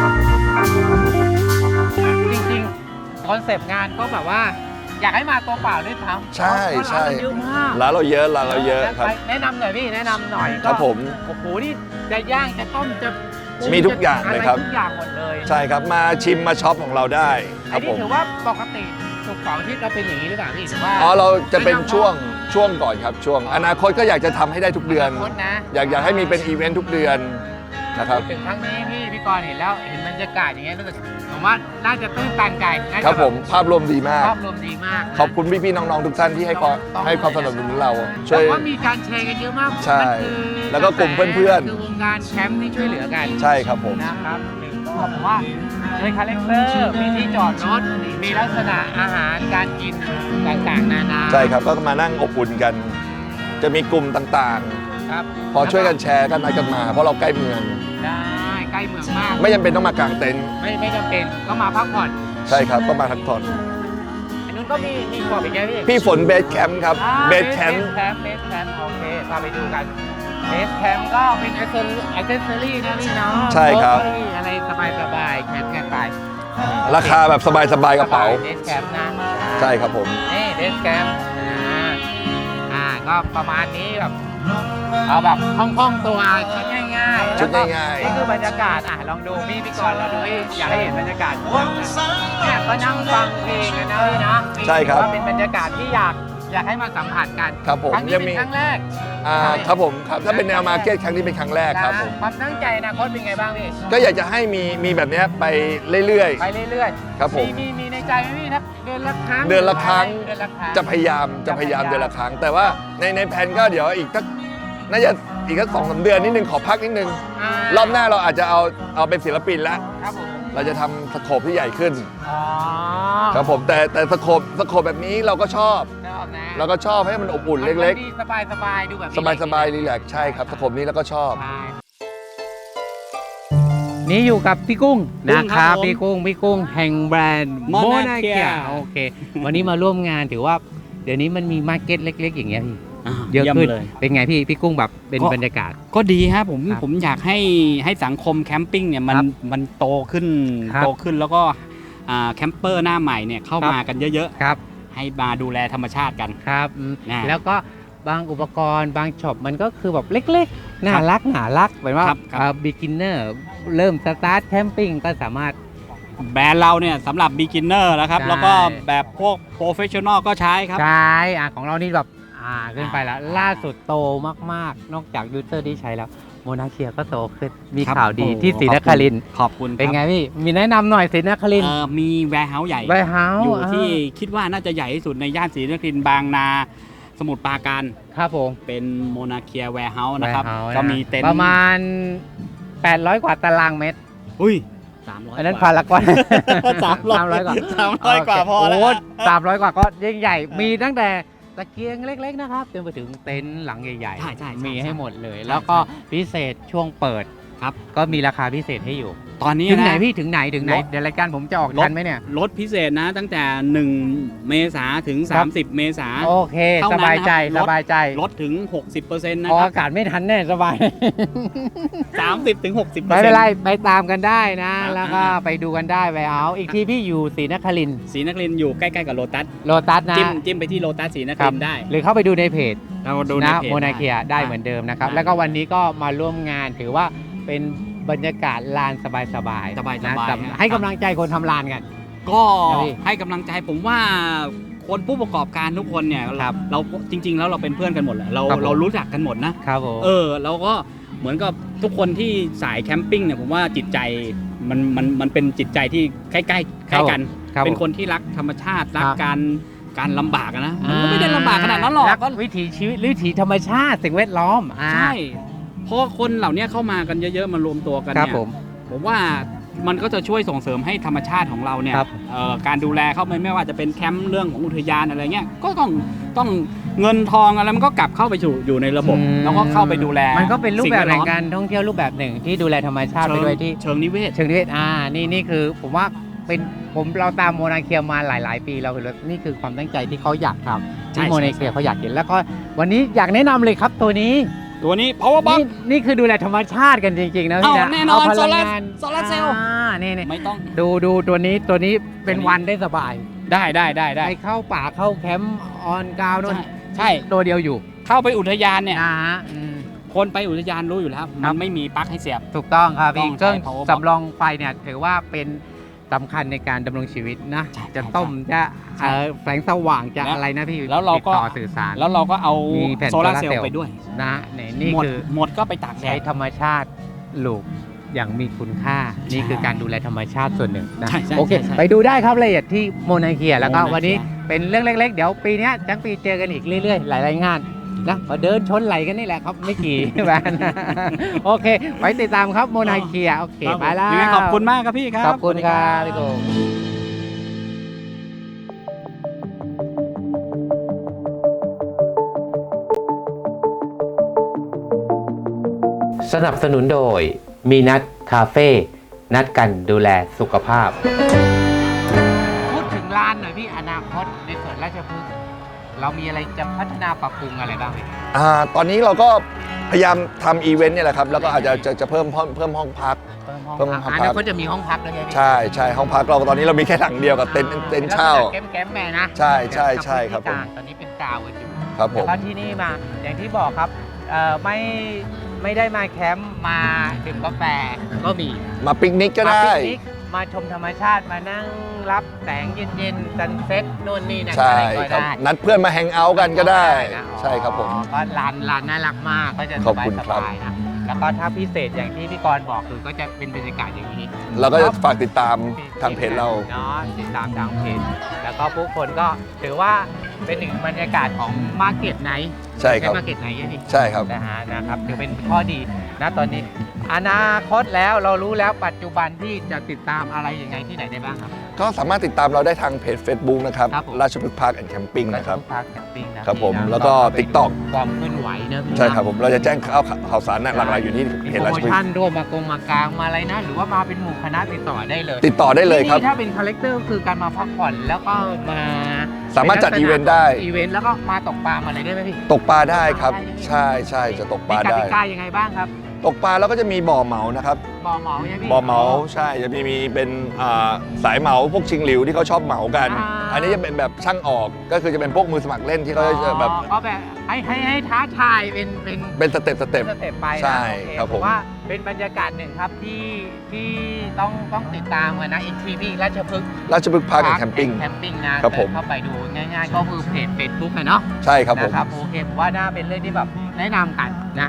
Speaker 4: ดีค่ะ
Speaker 2: จริงๆคอนเซปต์งานก็แบบว่า อยากให้มาตัวเปล่าด้วยซ้ำ
Speaker 3: ใช่ใช่
Speaker 2: เพราะร้านมันเยอะมาก
Speaker 3: ร้านเราเยอะครับ
Speaker 2: แนะนำหน่อยพี่แนะนำหน่อย
Speaker 3: ครับผม
Speaker 2: โอ้โหนี่จะย่างจะต้มจะ
Speaker 3: มีทุกอย่างเลยครับ
Speaker 2: ทุกอย่างหมดเลย
Speaker 3: ใช่ครับมาชิมมาช็อปของเราได้ค
Speaker 2: อั
Speaker 3: รั
Speaker 2: น
Speaker 3: บ
Speaker 2: นี้
Speaker 3: ผม
Speaker 2: ถือว่าปกติศุกร์เสาร์อาทิตย์เราเป็นอย่างนี้หรือเปล่าพี่หรือว่า
Speaker 3: อ๋อเราจะเป็นช่วงก่อนครับช่วงอนาคตก็อยากจะทำให้ได้ทุกเดือน
Speaker 2: โคตรนะ
Speaker 3: อยากให้มีเป็นอีเวนต์ทุกเดือนนะครับ
Speaker 2: พูดถึงครั้งนี้พี่กรณ์เห็นแล้วเห็นบรรยากาศอย่างเงี้ยรู้สึกผมว่าน่าจะตื้นตันใจน่าจะ
Speaker 3: ครับผมภาพรวมดีมาก
Speaker 2: ภาพรวมดีมากนะ
Speaker 3: ขอบคุณพี่ๆน้องๆทุกท่านที่ให้ความสนับสนุนเราช่วย
Speaker 2: แต่ว่ามีการแชร์กันเยอะมาก
Speaker 3: ใช่
Speaker 2: มันคือ
Speaker 3: แล้วก็กลุ่มเพื่อนๆ
Speaker 2: คือวงการแชมป์ที่ช่วยเหลือกัน
Speaker 3: ใช่ครับผม
Speaker 2: นะครับก็ผมว่าโดยคาแรคเตอร์มีที่จอดรถมีลักษณะอาหารการกินต่างๆนานา
Speaker 3: ใช่ครับก็มานั่งอบอุ่นกัน จะมีกลุ่มต่าง
Speaker 2: ครับ
Speaker 3: ๆ พอช่วยกันแชร์กันนัดกันมา เพราะเราใกล้เมือง
Speaker 2: ได้ใกล้เมืองมาก
Speaker 3: ไม่จำเป็นต้องมากางเต็นท์
Speaker 2: ไม่จำเป็นก็มาพักผ่อน
Speaker 3: ใช่ครับก็มาพักผ่อน
Speaker 2: อันนู้นก็มีขอบอีกไงพี่
Speaker 3: พี่ฝนเบสแคมป์ครับเบสแคมป์
Speaker 2: เบสแคมป์โอเคพาไปดูกันเบสแคมป์ก็เป็นอัเซสซอรี่นะพี่เนาะ
Speaker 3: ใช่ครับ
Speaker 2: โต๊ะเก้าอี้อะไรสบายๆแคมป์กันไป
Speaker 3: ราคาแบบสบายๆกระเป๋า
Speaker 2: เบสแคมป์นะ
Speaker 3: ใช่ครับผม
Speaker 2: นี่เบสแคมป์ก็ประมาณนี้แบบเอาแบบคล่องๆตัวชุดง่ายๆ
Speaker 3: ชุด
Speaker 2: แล้วก็
Speaker 3: ง่ายๆ
Speaker 2: นี่คือบรรยากาศลองดูพี่กรณ์เราดูอยากให้เห็นบรรยากาศเนี่ยก็นั่งฟังเพลงกันนะพี่นะ
Speaker 3: ใช่ครับ
Speaker 2: ว่าเป็นบรรยากาศที่อยากให้มาสัมผัสกัน
Speaker 3: ครับผม
Speaker 2: ครั้งนี้
Speaker 3: ยัง
Speaker 2: เป็
Speaker 3: มี
Speaker 2: นครั้งแรก
Speaker 3: ครับผมครับถ้าเป็นแนวมาร์เก็ตครั้งนี้เป็นครั้งแรกครับผม
Speaker 2: ความตั้งใจอนาคตเป็นไงบ้างพี่
Speaker 3: ก็อยากจะให้มีแบบเนี้ยไปเรื่อย
Speaker 2: ไปเรื่อย
Speaker 3: ๆ ครับผม
Speaker 2: มีในใจไหมพี่นะเดือนละครั้ง
Speaker 3: เดือนละครั้ง
Speaker 2: เดือนละครั้ง
Speaker 3: จะพยายามเดือนละครั้ง แต่ว่าในแผนก็เดี๋ยวอีกสักน่าจะอีกสัก2-3 เดือนนิดนึงขอพักนิดนึง รอบหน้าเราอาจจะเอาเป็นศิลปินแล้ว
Speaker 2: ครับผม
Speaker 3: เราจะทำสโคปที่ใหญ่ขึ้น
Speaker 2: อ๋อ
Speaker 3: ครับผมแต่สโคปแบบนี้เราก็ชอบ
Speaker 2: ชอบนะ
Speaker 3: เราก็ชอบให้มันอบอุ่นเล็ก
Speaker 2: ๆสบายๆดูแบบ
Speaker 3: ๆ สบายๆรีแลกซ์ใช่ครับสโคปนี้เราก็ชอบ
Speaker 2: นี่อยู่กับพี่กุ้ง
Speaker 5: กุ้
Speaker 2: นะ
Speaker 5: ง
Speaker 2: ค
Speaker 5: ครั
Speaker 2: รั
Speaker 5: บบ ผม
Speaker 2: พี่กุ้งแห่งแบรนด์
Speaker 5: Monarchia
Speaker 2: Monarchia โอเค วันนี้มาร่วมงานถือว่าเดี๋ยวนี้มันมีมาร์เก็ตเล็ก ๆ อย่างเงี้ยพี่เยอะ
Speaker 5: ยี่ม
Speaker 2: ขึ้น
Speaker 5: เลย
Speaker 2: เป็นไงพี่กุ้งแบบเป็น
Speaker 5: ก็
Speaker 2: บรรยากาศ
Speaker 5: ก็ดีฮะผม
Speaker 2: ครับ
Speaker 5: ผมอยากให้สังคมแคมปิ้งเนี่ยมันโตขึ้น
Speaker 2: ครับ
Speaker 5: โตขึ้นแล้วก็แคมเปอร์หน้าใหม่เนี่ยเข้า
Speaker 2: ครับ
Speaker 5: มากันเยอะ
Speaker 2: ครับ
Speaker 5: ๆ ให้มาดูแลธรรมชาติกัน
Speaker 2: ครับ
Speaker 5: นะ
Speaker 2: แล้วก็บางอุปกรณ์บางช็อปมันก็คือแบบเล็กๆ น่ารักเหมือนว่า
Speaker 5: ครับ
Speaker 2: beginner เริ่มสตาร์ทแคมปิ้งก็สามารถ
Speaker 5: แบรนด์เราเนี่ยสำหรับ beginner นะครับ
Speaker 2: ใช่
Speaker 5: แล้วก็แบบพวก professional ก็ใช้ครับ
Speaker 2: ใช่ของเรานี่แบบขึ้นไปแล้วล่าสุดโตมากๆ นอกจากยูเซอร์ที่ใช้แล้วโมนาเคียก็โตขึ้นมี
Speaker 5: ครับ
Speaker 2: ข่าวดี
Speaker 5: โอ้
Speaker 2: ที่ศรีนครินทร์
Speaker 5: ขอบคุณ
Speaker 2: เป็นไง
Speaker 5: ครับ
Speaker 2: พี่มีแนะนำหน่อยศรีนครินทร์
Speaker 5: มีแวร์เฮาส์ใหญ่
Speaker 2: ไวเฮาส์
Speaker 5: อยู่ที่คิดว่าน่าจะใหญ่ที่สุดในย่านศรีนครินทร์บางนาสมุทรปราการ
Speaker 2: ครับผม
Speaker 5: เป็นโมนาเคียแวร์เฮาส์นะครับ
Speaker 2: Warehouse
Speaker 5: ก็มีเต็นท์
Speaker 2: ประมาณ 800 กว่าตารางเมตร
Speaker 5: อุ้ย300
Speaker 2: อันนั้นพารากอน
Speaker 5: 300
Speaker 2: กว่า
Speaker 5: 300 กว่าพอแล้ว
Speaker 2: โ300 กว่าก็ยิ่งใหญ่ มีตั้งแต่ตะเกียงเล็ก ๆ นะครับจนไปถึงเต็นท์หลังใหญ่
Speaker 5: ใช่ใช่
Speaker 2: มีให้หมดเลย
Speaker 5: ใช่
Speaker 2: แล้วก็พิเศษช่วงเปิด
Speaker 5: ครับ
Speaker 2: ก็มีราคาพิเศษให้อยู่
Speaker 5: ตอนนี้
Speaker 2: ถึงไหน
Speaker 5: นะ
Speaker 2: พี่ถึงไหน
Speaker 5: รถ
Speaker 2: เดี๋ยวรายการผมจะออกทันไหมเนี่ย
Speaker 5: ลดพิเศษนะตั้งแต่ 1 เมษาถึง
Speaker 2: ครับ
Speaker 5: 30 เมษา
Speaker 2: โอเค
Speaker 5: เท่า
Speaker 2: ส
Speaker 5: นั้น
Speaker 2: บายใจ
Speaker 5: นะครับ
Speaker 2: สบายใจ
Speaker 5: ลดถึง 60%นะ
Speaker 2: ออก
Speaker 5: ครั
Speaker 2: อากาศไม่ทันแน่สบาย
Speaker 5: 30 ถึง 60%
Speaker 2: ไม่เป็นไรไปตามกันได้นะ
Speaker 5: ครับ
Speaker 2: แล้วก็ไปดูกันได้ไวเฮาส์อีกทีพี่อยู่ศรีนครินทร์
Speaker 5: ศรีนครินทร์อยู่ใกล้ๆกับโลตัส
Speaker 2: โลตัสนะ
Speaker 5: จิ้มไปที่โลตัสศรีนค
Speaker 2: ครั
Speaker 5: ริ
Speaker 2: บ
Speaker 5: นทร์ได้
Speaker 2: หรือเข้าไปดูในเพจ
Speaker 5: เราดูใน
Speaker 2: นะ
Speaker 5: เพจ
Speaker 2: โมนาเคียได้เหมือนเดิมนะครับ
Speaker 5: ได้
Speaker 2: แล้วก็วันนี้ก็มาร่วมงานถือว่าเป็นบรรยากาศลานสบายๆ
Speaker 5: สบายๆ
Speaker 2: นะ
Speaker 5: ฮะ
Speaker 2: ให้กำลังใจคนทำลานกัน
Speaker 5: ก็
Speaker 2: ครับพี่
Speaker 5: ให้กำลังใจผมว่าคนผู้ประกอบการทุกคนเนี่ย
Speaker 2: ครับ
Speaker 5: เราจริง ๆ แล้วเราเป็นเพื่อนกันหมดแหละเรา
Speaker 2: ครับผม
Speaker 5: เรารู้จักกันหมดนะ
Speaker 2: ครับผม
Speaker 5: เราก็เหมือนกับทุกคนที่สายแคมปิ้งเนี่ยผมว่าจิตใจมันเป็นจิตใจที่ใกล้ๆใกล้กัน
Speaker 2: ครับ
Speaker 5: เป็น
Speaker 2: ผม
Speaker 5: คนที่รักธรรมชาติรัก
Speaker 2: ครับ
Speaker 5: การลำบากอะนะมันก็ไม่ได้ลำบากขนาดนั้นหรอก
Speaker 2: กวิถีชีวิตวิถีธรรมชาติสิ่งแวดล้อม
Speaker 5: ใช่เพราะคนเหล่านี้เข้ามากันเยอะๆมารวมตัวกัน
Speaker 2: ครับ
Speaker 5: เนี่ย
Speaker 2: ผม
Speaker 5: ว่ามันก็จะช่วยส่งเสริมให้ธรรมชาติของเราเนี่ย
Speaker 2: ครับ
Speaker 5: การดูแลเขาไม่ว่าจะเป็นแคมป์เรื่องของอุทยานอะไรเงี้ยก็ต้องเงินทองอะไรมันก็กลับเข้าไปอยู่ในระบบ แล้วก็เข้าไปดูแล
Speaker 2: มันก็เป็นรูปแบบ
Speaker 5: สิ่
Speaker 2: แห่ง
Speaker 5: วดล้อม
Speaker 2: การท่องเที่ยวรูปแบบหนึ่งที่ดูแลธรรมชาติไปด้วยที่
Speaker 5: เชิงนิเวศ
Speaker 2: เชิงนิเวศนี่คือผมว่าเป็นเราตามโมนาเคียมาหลาย ๆ ปีเราเห็นแล้วนี่คือความตั้งใจที่เขาอยากทำ
Speaker 5: ใช่
Speaker 2: ที่โมนาเคียเขาอยากเห็นแล้วก็วันนี้อยากแนะนำเลยครับตัวนี้
Speaker 5: ตัวนี้ power box
Speaker 2: นี่คือดูแลธรรมชาติกันจริง ๆ นะพี่นะ
Speaker 5: แน่นอน
Speaker 2: เาพลังงาน
Speaker 5: โซลาร์เซลล์
Speaker 2: นี่
Speaker 5: ไม่ต้อง
Speaker 2: ดูตัวนี้เป็นวันได้สบาย
Speaker 5: ได้
Speaker 2: ไปเข้าป่าเข้าแคมป์ออนกราวน์นู่น
Speaker 5: ใช่
Speaker 2: ตัวเดียวอยู่
Speaker 5: เข้าไปอุทยานเนี่ย
Speaker 2: นะฮะ
Speaker 5: คนไปอุทยานรู้อยู่แล้ว
Speaker 2: ครั
Speaker 5: มั
Speaker 2: บ
Speaker 5: นไม่มีปลั๊กให้เสียบ
Speaker 2: ถูกต้องครับพี่
Speaker 5: ต้องใช้
Speaker 2: เครื่อง
Speaker 5: power box
Speaker 2: สำรองไฟเนี่ยถือว่าเป็นสำคัญในการดำรงชีวิตนะ
Speaker 5: ใช่
Speaker 2: จะต้มจะ
Speaker 5: ใช่
Speaker 2: แสงสว่างจะ
Speaker 5: แล้ว
Speaker 2: อะไรนะพี่
Speaker 5: แล้วเราก็
Speaker 2: ติดต่อสื่อสาร
Speaker 5: แล้วเราก็เอา
Speaker 2: มีแผ่น
Speaker 5: โซลาร์เซล
Speaker 2: โซลาร์เซลล์
Speaker 5: ล์ไปด้วย
Speaker 2: นะนี่
Speaker 5: หมด
Speaker 2: คือ
Speaker 5: หมดก็ไปตากแด
Speaker 2: ใช้
Speaker 5: ด
Speaker 2: ธรรมชาติปลูกอย่างมีคุณค่า นี่คือการดูแลธรรมชาติส่วนหนึ่งนะ
Speaker 5: ใช่ใช่
Speaker 2: โอเค
Speaker 5: ใช่
Speaker 2: ไปดูได้ครับรายละเอียดที่โมนาเคียแล้วก็
Speaker 5: โมนาเคีย
Speaker 2: วันนี้เป็นเรื่องเล็ก ๆ เดี๋ยวปีเนี้ยทั้งปีเจอกันอีกเรื่อยๆ หลายๆงานนะมาเดินชนไหลกันนี่แหละครับไม่กี่ แบรนด์ โอเคไว้ติดตามครับโมนาเคียโอเคไปแล้ว
Speaker 5: ยังไงขอบคุณมากครับพี่ครับ
Speaker 2: ขอบคุณครับพี่โกง
Speaker 6: สนับสนุนโดยมีนัดคาเฟ่นัดกันดูแลสุขภาพ
Speaker 2: พูดถึงร้านหน่อยพี่อนาคตในสวนราชพฤกษ์เรามีอะไรจะพัฒนาปรับปรุงอะไรบ้างไหม
Speaker 3: ตอนนี้เราก็พยายามทำอีเวนต์เนี่ยแหละครับแล้วก็อาจจะเพิ่มห้องพัก เพิ่มห้องพัก
Speaker 2: อนาคตจะมีห้องพักด้วยไงพี่
Speaker 3: ใช่ห้องพักเราตอนนี้เรามีแค่หลังเดียวกับเต็นท์เช่า
Speaker 2: แก้มแม่นะ
Speaker 3: ใช่ครับผม
Speaker 2: ตอนนี้เป็นกาวกันอยู่
Speaker 3: ครับผม
Speaker 2: แล้วก็ที่นี่มาอย่างที่บอกครับไม่ได้มาแคมป์มาดื่มกาแฟก็มี
Speaker 3: มาปิกนิกก็
Speaker 2: มา
Speaker 3: ได้
Speaker 2: ปิกนิกมาชมธรรมชาติมานั่งรับแสงเย็นๆซันเซ็ตนู่นนี่นั่น
Speaker 3: ใช่
Speaker 2: อะไรก็
Speaker 3: ครับ
Speaker 2: ได้
Speaker 3: นัดเพื่อนมาแฮงเอาท์กันก็ได้
Speaker 2: นะ
Speaker 3: ใช่ครับผม
Speaker 2: ก็ร้านน่ารักมากก็จะ
Speaker 3: ขอบคุณครับ
Speaker 2: สบายๆนะแล้วก็ถ้าพิเศษอย่างที่พี่กรณ์บอกคือก็จะเป็นบรรยากาศอย่างนี้
Speaker 3: เราก็จะฝากติดตามทางเพจเรา
Speaker 2: เนาะติดตามทางเพจแล้วก็ผู้คนก็ถือว่าเป็นหนึ่งบรรยากาศของมาร์เก็ตไนท์
Speaker 3: ใช่ครับ
Speaker 2: มาร์เก็ตไนท์นี่
Speaker 3: ใช่ครับ
Speaker 2: นะครับถือเป็นข้อดีนะตอนนี้อนาคตแล้วเรารู้แล้วปัจจุบันที่จะติดตามอะไรยังไงที่ไหนได้บ้างครับ
Speaker 3: ก็สามารถติดตามเราได้ทางเพจ Facebook นะครับ
Speaker 2: ครับผม
Speaker 3: ราชพฤกษ์พาร์คแอนด์แคมปิ้งนะครับ
Speaker 2: พาร์คแคมปิ้งนะครับ
Speaker 3: ผม
Speaker 2: พี่นะ
Speaker 3: แล้วก็ TikTok
Speaker 2: ความเคลื่อนไหวนะพี่นะ
Speaker 3: ใช่ครับผมเราจะแจ้งข่าวสารหลักๆอยู่ที่เพ
Speaker 2: มี
Speaker 3: จ
Speaker 2: โปร
Speaker 3: ราช
Speaker 2: โม
Speaker 3: พฤกษ์
Speaker 2: ชั่นด้วยมากางมาอะไรนะ หรือว่ามาเป็นหมู่คณะติดต่อได้เลย
Speaker 3: ติดต่อได้เลยครับ
Speaker 2: ที่นี่ถ้าเป็นคาแรคเตอร์คือการมาพักผ่อนแล้วก็มา
Speaker 3: สามารถจัดอีเวนต์ได้
Speaker 2: อีเวนต์แล้วก็มาตกปลามาอะไรได้ไหมพี่
Speaker 3: ตกปลาได้ครับ ใช่จะตกป
Speaker 2: มี
Speaker 3: ลาก ได้
Speaker 2: ติกายังไงบ้างครับ
Speaker 3: ตกปลาแล้วก็จะมีบ่อเหมานะครับ
Speaker 2: บ่อเหมาใช่พี่
Speaker 3: บ่อเหมาใช่จะมีเป็นสายเหมาพวกชิงหลิวที่เขาชอบเหมากัน อันนี้จะเป็นแบบช่างออกก็คือจะเป็นพวกมือสมัครเล่นที่เขาจะแบบ
Speaker 2: ก็แบบให้ท้าทายเป็น
Speaker 3: สเต็ป
Speaker 2: สเต็ปไปนะ
Speaker 3: ใช่
Speaker 2: โอเ
Speaker 3: ครับผม
Speaker 2: ว่าเป็นบรรยากาศหนึ่งครับที่ต้องติดตามกันนะอีกทีพี่ราชพฤกษ์
Speaker 3: ราชพฤกษ์พาร์คแอนด์แคมปิ้ง
Speaker 2: แคมปิ้งนะครับ
Speaker 3: ผม
Speaker 2: เข้าไปดูง่ายๆก็คือเพจเฟซบุ๊กเนาะ
Speaker 3: ใช่ครับผม
Speaker 2: นะครับโอเคผมว่าน่าเป็นเรื่องที่แบบแนะนำกันนะ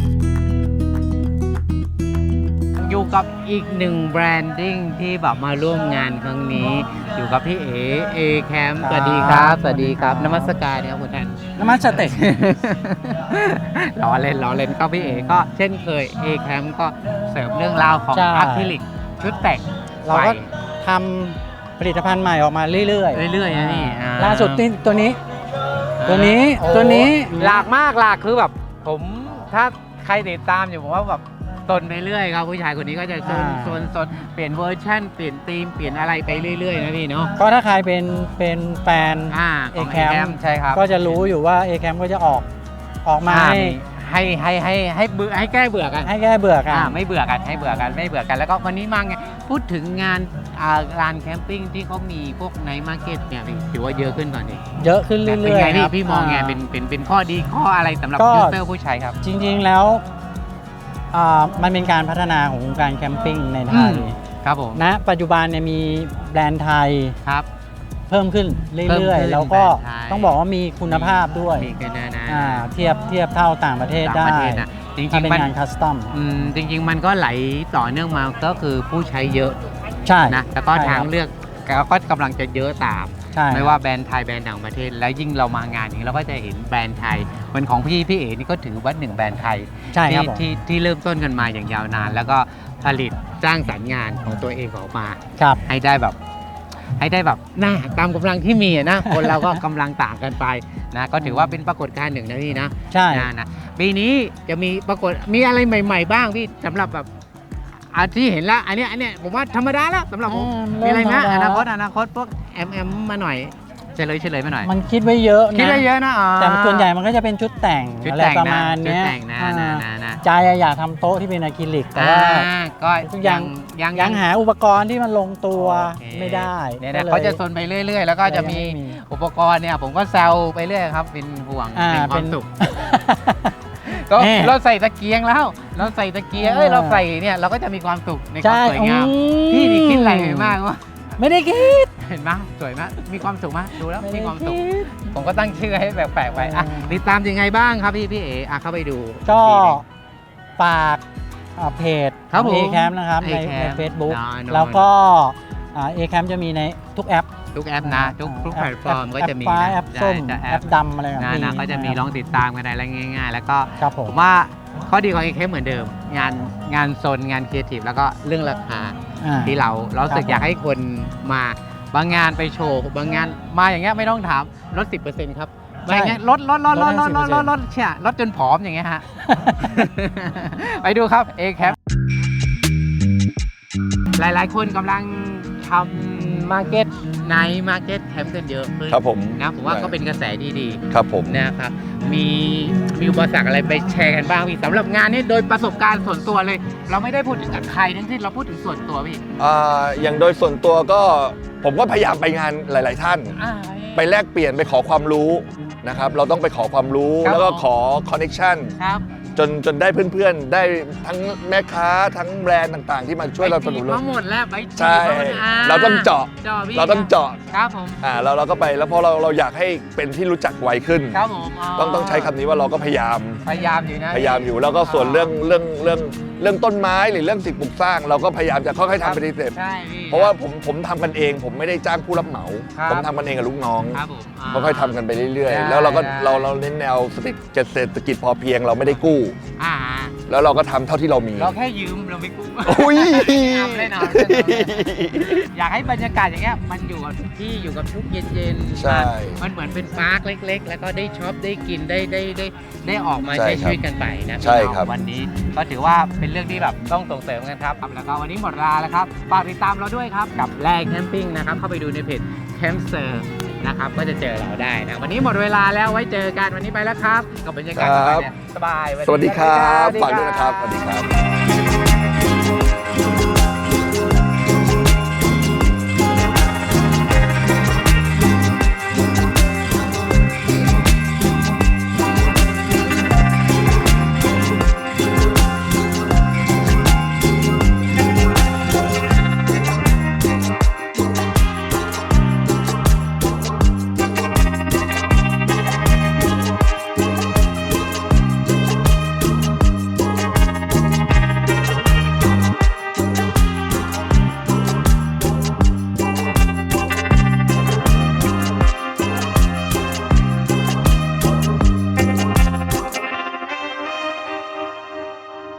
Speaker 2: อยู่กับอีกหนึ่งแบรนดิ้งที่แบบมาร่วมงานครั้งนี้อยู่กับพี่เอแคมป์สวัสดีครับสวัสดีครับนมัสการครับคุณท่าน
Speaker 5: น้ำมันสเต็ก
Speaker 2: ล้อเล่นก็พี่เอก็เช่นเคยเอแคมป์ก็เสริมเรื่องราวของ
Speaker 7: ใช่
Speaker 2: อะคริลิกชุดแต่ง
Speaker 7: เราก็
Speaker 2: ไฟ
Speaker 7: ทำผลิตภัณฑ์ใหม่ออกมาเรื่อย
Speaker 2: เรื่อยๆนะนี่
Speaker 7: ล่าสุดนี่ตัวนี้
Speaker 2: โอ้ หลากมากหลากคือแบบผมถ้าใครติดตามอยู่ผมว่าแบบตนไปเรื่อยครับผู้ชายคนนี้ก็จะโซนเปลี่ยนเวอร์ชันเปลี่ยนธีมเปลี่ยนอะไรไปเรื่อยๆนะพี่เนาะ
Speaker 7: ก็ถ้าใครเป็นแฟน
Speaker 2: ของ
Speaker 7: A-Camp
Speaker 2: ใช่ครับ
Speaker 7: ก็จะรู้อยู่ว่า A-Camp ก็จะออกมา
Speaker 2: ให้เบื่อให้แก้เบื่อกัน
Speaker 7: ให้แก้เบื่อกัน
Speaker 2: ไม่เบื่อกันให้เบื่อกันไม่เบื่อกันแล้วก็วันนี้มาไงพูดถึงงานลานแคมปิ้งที่เขามีพวกไนท์มาร์เก็ตเนี่ยพี่ถือว่าเยอะขึ้นก่อนดิ
Speaker 7: เยอะขึ้นเรื่อยๆ
Speaker 2: เป็นไง
Speaker 7: ครับ
Speaker 2: พี่มองไงเป็นข้อดีข้ออะไรสำหรับ
Speaker 7: ก็
Speaker 2: ยูเซอร์ผู้ใช้ครับ
Speaker 7: จริงๆแล้วมันเป็นการพัฒนาของวงการแคมปิ้งในไทย
Speaker 2: ครับผม
Speaker 7: ณปัจจุบันเนี่ยมีแบรนด์ไทย
Speaker 2: ครับ
Speaker 7: เพิ่มขึ้นเรื่อย
Speaker 2: เพิ่มขึ้น
Speaker 7: ๆ แล้วก็
Speaker 2: แบรนด์ไทย
Speaker 7: ต้องบอกว่ามีคุณภาพด้วย
Speaker 2: มีกันนะ
Speaker 7: เทียบเท่าต่างประเทศ
Speaker 2: ต่าง
Speaker 7: ได้
Speaker 2: ประเทศนะจริ
Speaker 7: ถ้าง เป็น
Speaker 2: ๆมัน
Speaker 7: งานคัสตอม
Speaker 2: จริงๆมันก็ไหลต่อเนื่องมาก็คือผู้ใช้เยอะ
Speaker 7: ใช่
Speaker 2: นะแล้วก็
Speaker 7: ใช่
Speaker 2: ทาง
Speaker 7: ครับ
Speaker 2: เลือกก็กำลังจะเยอะตาม
Speaker 7: ใช่
Speaker 2: ไม่ว่าแบรนด์ไทยแบรนด์ต่างประเทศ แล้วยิ่งเรามางานอย่างนี้เราก็จะเห็นแบรนด์ไทยเหมือนของพี่เอ๋นี่ก็ถือว่าหนึ่งแบรนด์ไทย
Speaker 7: ใช่ครับผม
Speaker 2: ที่เริ่มต้นกันมาอย่างยาวนาน แล้วก็ผลิตสร้างสรรค์งานของตัวเองออกมา
Speaker 7: ครับ
Speaker 2: ให้ได้แบบน่าตามกำลังที่มีอะนะ คนเราก็กำลังต่างกันไปนะก็ถือว่าเป็นปรากฏการณ์หนึ่งนะพี่นะ
Speaker 7: ใช่
Speaker 2: นะปีนี้จะมีปรากฏมีอะไรใหม่ ๆ บ้างพี่สำหรับแบบที่เห็นแล้วอันเนี้ยผมว่าธรรมดาแล้วสำหรับผมมีอะไรนะอนาคตพวกแอมมาหน่อยเฉลยมาหน่อย
Speaker 7: มันคิดไว้เยอะนะ
Speaker 2: คิดได้เยอะนะอ๋อ
Speaker 7: แต่ส่วนใหญ่มันก็จะเป็นชุดแต่ง
Speaker 2: ชุด
Speaker 7: อะไร
Speaker 2: แต่ง
Speaker 7: ประ
Speaker 2: นะ
Speaker 7: มาณ
Speaker 2: ชุด
Speaker 7: เนี้ย
Speaker 2: แต่งนะ
Speaker 7: ใจอยากทำโต๊ะที่เป็นอะคริลิกแต่ว่า
Speaker 2: ก็
Speaker 7: ยังหาอุปกรณ์ที่มันลงตัว
Speaker 2: โอเค
Speaker 7: ไม่ได้
Speaker 2: เนี่ย
Speaker 7: ก็
Speaker 2: นะ
Speaker 7: ลย
Speaker 2: เขาจะซนไปเรื่อยๆ แล้วก็จะมี
Speaker 7: ยังไ
Speaker 2: อุปกรณ์เนี่ยผมก็แซวไปเรื่อยครับเป็นห่วง
Speaker 7: อ่า
Speaker 2: เป็นควา
Speaker 7: เป็
Speaker 2: ม
Speaker 7: น
Speaker 2: สุข ก็
Speaker 7: แน่
Speaker 2: เราใส่ตะเกียงแล้ว เราใส่ตะเกียงเราใส่เนี่ยเราก็จะมีความสุขในความ
Speaker 7: ใช่
Speaker 2: สวยงาม
Speaker 7: อืม
Speaker 2: พี่นี่คิดอะไรไปมากวะ
Speaker 7: ไม่ได้คิด
Speaker 2: เห็นไหมสวยมากมีความสุขมากดูแล้ว
Speaker 7: ไม่
Speaker 2: มี
Speaker 7: ได้
Speaker 2: ความสุข
Speaker 7: คิด
Speaker 2: ผมก็ตั้งชื่อให้แปลกๆไปอ่ะติดตามยังไงบ้างครับพี่เอ๋เข้าไปดู
Speaker 7: ก็
Speaker 2: ทีหนึ่ง
Speaker 7: ฝากเพจ
Speaker 2: ครับผม
Speaker 7: A-Camp นะครับใน
Speaker 2: A-Camp
Speaker 7: Facebook
Speaker 2: นอน
Speaker 7: แล้วก็A-Camp จะมีในทุกแอป
Speaker 2: ทุกแอปนะทุกแพลตฟอร์มก็จะมี
Speaker 7: แอปฟ้า
Speaker 2: นะ
Speaker 7: แอปส้ม
Speaker 2: ใช่
Speaker 7: แอปดำอะไรแบบ
Speaker 2: นะ
Speaker 7: นี้
Speaker 2: ก็จะมีลองติดตามกันอะไรง่ายๆ แล้วก็
Speaker 7: ครับผ
Speaker 2: ผม มว่าข้อดีของ AKM เหมือนเดิม งานโซนงานครีเอทีฟแล้วก็เรื่องราคา
Speaker 7: อ่า
Speaker 2: ที่เรารู้สึก
Speaker 7: ครับ
Speaker 2: อยากให้คนมาบางงานไปโชว์บางงานมาอย่างเงี้ยไม่ต้องถามลด 10%ครับมาอย่างเงี้ยลดเชี่ยลดจนผอมอย่างเงี้ยฮะ ไปดูครับ AKM หลายๆคนกำลังทำมาร์เก็ตไนท์มาร์เก็ตแคมป์กันเยอะขึ้น
Speaker 3: ครับผม
Speaker 2: นะผมว่าก็เป็นกระแสดี
Speaker 3: ครับผม
Speaker 2: ๆนะครับมีอุปสรรคอะไรไปแชร์กันบ้างพี่สำหรับงานนี้โดยประสบการณ์ส่วนตัวเลย เราไม่ได้พูดถึงกับใครทั้งสิ้นเราพูดถึงส่วนตัวพี่
Speaker 3: อย่างโดยส่วนตัวก็ผมก็พยายามไปงานหลาย ๆ ท่าน ไปแลกเปลี่ยนไปขอความรู้นะครับเราต้องไปขอความรู้
Speaker 2: ครับ
Speaker 3: แล้วก็ขอคอนเน c ชัน
Speaker 2: ครับ
Speaker 3: จนได้เพื่อนๆ ได้ทั้งแม่ค้าทั้งแบรนด์ต่างๆ ที่มาช่วยเราสนับสนุน
Speaker 2: มาหมดแล้วไปจีบ
Speaker 3: ใช่
Speaker 2: มาหมด
Speaker 3: เราต้องเจาะ
Speaker 2: พี่
Speaker 3: เราต้องเจาะ
Speaker 2: ครับผม
Speaker 3: แล้วเราก็ไปแล้วพอเราอยากให้เป็นที่รู้จักไวขึ้น
Speaker 2: ครับผม
Speaker 3: ต้องใช้คำนี้ว่าเราก็พยายาม
Speaker 2: พยายามอยู่นะ
Speaker 3: พยายามอยู่แล้วก็ส่วนเรื่องต้นไม้หรือเรื่องสิ่งปลูกสร้าง เราก็พยายามจะค่อยๆทำไปทีละสเต็ป
Speaker 2: ใช่พี่
Speaker 3: เพราะว่าผมทำกันเองผมไม่ได้จ้างผู้รับเหมา
Speaker 2: ครับ
Speaker 3: ผมทำกันเองกับลูกน้อง
Speaker 2: ครับผม
Speaker 3: ค่อยๆทำกันไปเรื่อย
Speaker 2: ได้
Speaker 3: ๆ แล้วเราก็
Speaker 2: ได้
Speaker 3: เราเน้นแนวเศรษฐกิจพอเพียงเราไม่ได้กู้
Speaker 2: อ่า
Speaker 3: แล้วเราก็ทำเท่าที่เรามี
Speaker 2: เราแค่ยืมเราไม่กู้
Speaker 3: อุ้ย
Speaker 2: เล่นเอาอยากให้บรรยากาศอย่างเงี้ยมันอยู่กับที่อยู่กับทุกเย็นๆ
Speaker 3: ใช่
Speaker 2: มันเหมือนเป็นปาร์คเล็ก ๆ แล้วก็ได้ช็อปได้กินได้ออกมา
Speaker 3: ใช่
Speaker 2: ใช้
Speaker 3: ครับ
Speaker 2: ชีวิตกันไปนะ
Speaker 3: ใช่ครับ
Speaker 2: วันนี้ก็ถือว่าเป็นเรื่องที่แบบต้องส่งเสริมกันครับแล้วก็วันนี้หมดเวลาแล้วครับฝากติดตามเราด้วยครับกับแรงแคมปิ้งนะครับเข้าไปดูในเพจแคมเซอร์นะครับก็จะเจอเราได้นะวันนี้หมดเวลาแล้วไว้เจอกันวันนี้ไปแล้วครับกับบรรยากาศสบายๆ
Speaker 3: สวัสดีครับฝากด้วยนะครับสวัสดีครับ